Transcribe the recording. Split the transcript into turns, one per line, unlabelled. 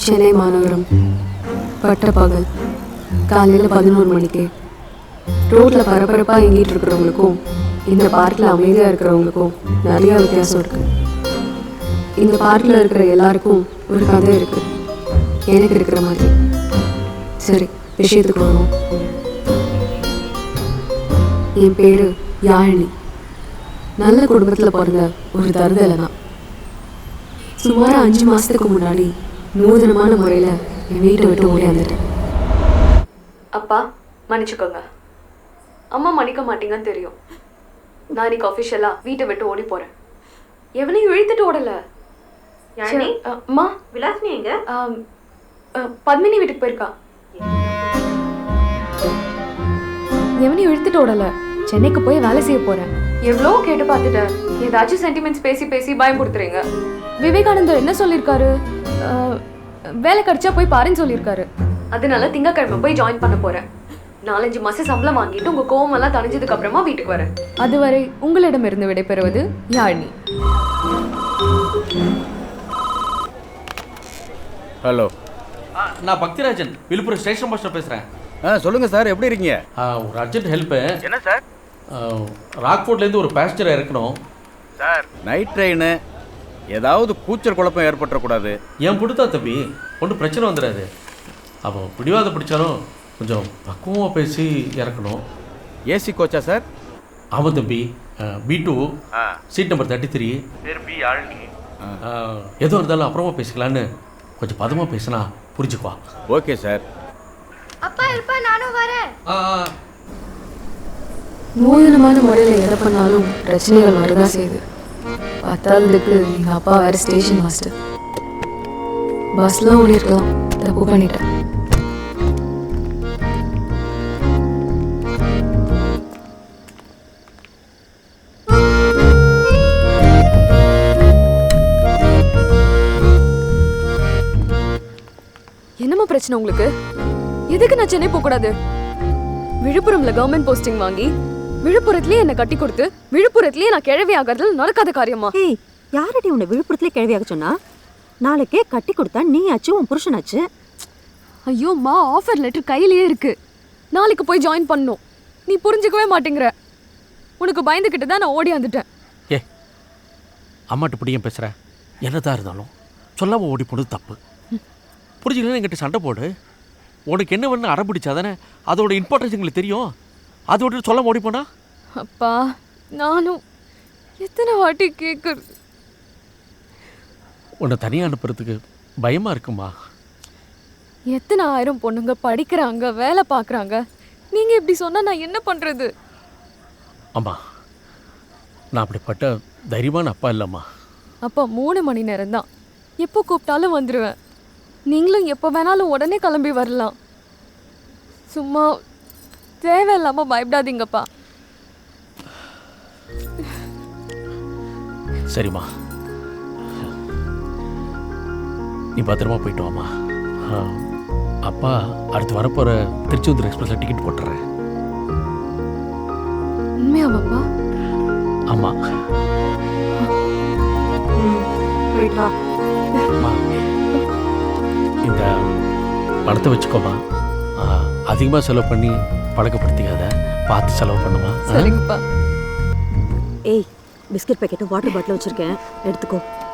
சென்னை மாநகரம் பட்டப்பகல் காலையில் 11 மணிக்கு ரோட்டில் பரபரப்பாக எங்கிட்டு இருக்கிறவங்களுக்கும் இந்த பார்க்கில் அமைதியாக இருக்கிறவங்களுக்கும் நிறைய வித்தியாசம் இருக்குது. இந்த பார்க்கில் இருக்கிற எல்லாருக்கும் ஒரு கதை இருக்குது, எனக்கு இருக்கிற மாதிரி. சரி, விஷயத்துக்கு வருவோம். என் பேர் யாழினி. நல்ல குடும்பத்தில் பிறந்த ஒரு தருதலை தான். சுமார் 5 மாதத்துக்கு முன்னாடி நூதனமான முறையில் என் வீட்டை விட்டு ஓடியாந்துட்டேன். அப்பா மன்னிச்சுக்கோங்க, அம்மா மன்னிக்க மாட்டீங்கன்னு தெரியும். நான் இன்னைக்கு அஃபிஷியலாக வீட்டை விட்டு ஓடி போகிறேன். எவனையும் இழுத்துட்டு ஓடலை. அம்மா
விலாசினி எங்க?
பத்மினி வீட்டுக்கு போயிருக்கா. எவனையும் இழுத்துட்டு ஓடலை, சென்னைக்கு போய் வேலை செய்ய போகிறேன். எவ்வளோ கேட்டு பார்த்துட்டேன், ஏதாச்சும் சென்டிமெண்ட்ஸ் பேசி பேசி பயம் கொடுத்துறீங்க. விவேகானந்தர் என்ன சொல்லியிருக்காரு? வேலை கிடைச்சா போய் பாருன்னு சொல்லியிருக்காரு. அதனால திங்கக்கிழமை போய் ஜாயின் பண்ண போகிறேன். 4-5 மாதம் சம்பளம் வாங்கிட்டு உங்கள் கோவமெல்லாம் தணிஞ்சதுக்கு அப்புறமா வீட்டுக்கு வரேன். அதுவரை உங்களிடமிருந்து விடைபெறுவது யாழினி.
ஹலோ,
நான் பக்திராஜன், விழுப்புரம் ஸ்டேஷன் மாஸ்டர் பேசுகிறேன்.
சொல்லுங்கள் சார், எப்படி இருக்கீங்க?
ஒரு அர்ஜென்ட் ஹெல்ப்பு.
என்ன சார்?
ராக்ஃபோர்ட்லேருந்து ஒரு பேசஞ்சரை இறக்கணும்
சார். நைட் ட்ரெயினு, ஏதாவது கூச்சல் குழப்பம் ஏற்பட்டுறக்கூடாது.
என் பிடித்தா தம்பி, ஒன்றும் பிரச்சனை வந்துடாது. அப்போ பிடிவாத பிடிச்சாலும் கொஞ்சம் பக்குவமாக பேசி இறக்கணும்.
ஏசி கோச்சா சார்?
ஆமாம் தம்பி, B2 சீட் நம்பர் 33. எதுவும் இருந்தாலும் அப்புறமா பேசிக்கலான்னு கொஞ்சம் பதமாக பேசினா புரிஞ்சுக்குவா.
Okay sir.
அப்பா இருப்பா, நானும் வரேன்.
நூதனமான முறையில் எதை பண்ணாலும் பிரச்சனைகள் வரதான் செய்யுது. பத்தாவதுக்கு எங்கள் அப்பா வேறு ஸ்டேஷன் மாஸ்டர். பஸ்லாம் ஓடிருக்கலாம், தப்பு பண்ணிட்டேன். என்னம்மா பிரச்சனை உங்களுக்கு? எதுக்கு நான் சென்னை போகக்கூடாது? விழுப்புரம்ல கவர்மெண்ட் போஸ்டிங் வாங்கி விழுப்புரத்துலயே என்ன கட்டி கொடுத்து விழுப்புரத்துலயே நான் கிழவி ஆகிறது நடக்காத காரியமா?
ஏய், யாரடி உன்னை விழுப்புரத்துலயே கிழவியாக சொன்னா? நாளைக்கே கட்டி கொடுத்தா நீ ஆச்சு, உன் புருஷனாச்சு.
ஐயோ மா, ஆஃபர் லெட்டர் கையிலேயே இருக்கு. நாளைக்கு போய் ஜாயின் பண்ணணும். நீ புரிஞ்சுக்கவே மாட்டேங்கிற. உனக்கு பயந்துக்கிட்டு தான் நான் ஓடி வந்துட்டேன்.
ஏ, அம்மாட்ட பிடிக்கும் பேசுகிறேன். என்னதான் இருந்தாலும் சொல்லாமல் ஓடி போனது தப்பு. புரிஞ்சுக்கலாம், என்கிட்ட சண்டை போடு. உனக்கு என்ன வேணும் அடம் பிடிச்சாதானே அதோட இம்பார்ட்டன்ஸ் எங்களுக்கு தெரியும். அதோட சொல்லாமல் ஓடி போனா?
அப்பா, நானும் எத்தனை வாட்டி கேட்குறது.
உன்னை தனியாக அனுப்புறதுக்கு பயமாக இருக்குமா?
எத்தனை ஆயிரம் பொண்ணுங்க படிக்கிறாங்க, வேலை பார்க்குறாங்க. நீங்கள் இப்படி சொன்னால் நான் என்ன பண்ணுறது?
அம்மா, நான் அப்படிப்பட்ட தைரியமான அப்பா இல்லைம்மா.
அப்போ 3 மணி நேரம் தான், எப்போ கூப்பிட்டாலும் வந்துடுவேன். நீங்களும் எப்போ வேணாலும் உடனே கிளம்பி வரலாம். சும்மா தேவையில்லாமல் பயப்படாதீங்கப்பா.
சரிம்மா, நீ பத்திரமா போயிட்டு வாம்மா. அப்பா அடுத்து வரப்போகிற திருச்செந்தூர் எக்ஸ்பிரஸில் டிக்கெட் போட்டுறேன்.
உண்மையாவாப்பா?
ஆமாம்.
போயிட்டு வா.
அம்மா, இந்த பணத்தை வச்சுக்கோமா. அதிகமாக செலவு பண்ணி பழக்கப்படுத்திக்காத, பார்த்து செலவு பண்ணுமா.
சரிங்கப்பா.
ஏய், பிஸ்கட் பேக்கெட்டும் வாட்டர் பாட்டிலும் வச்சிருக்கேன், எடுத்துக்கோ.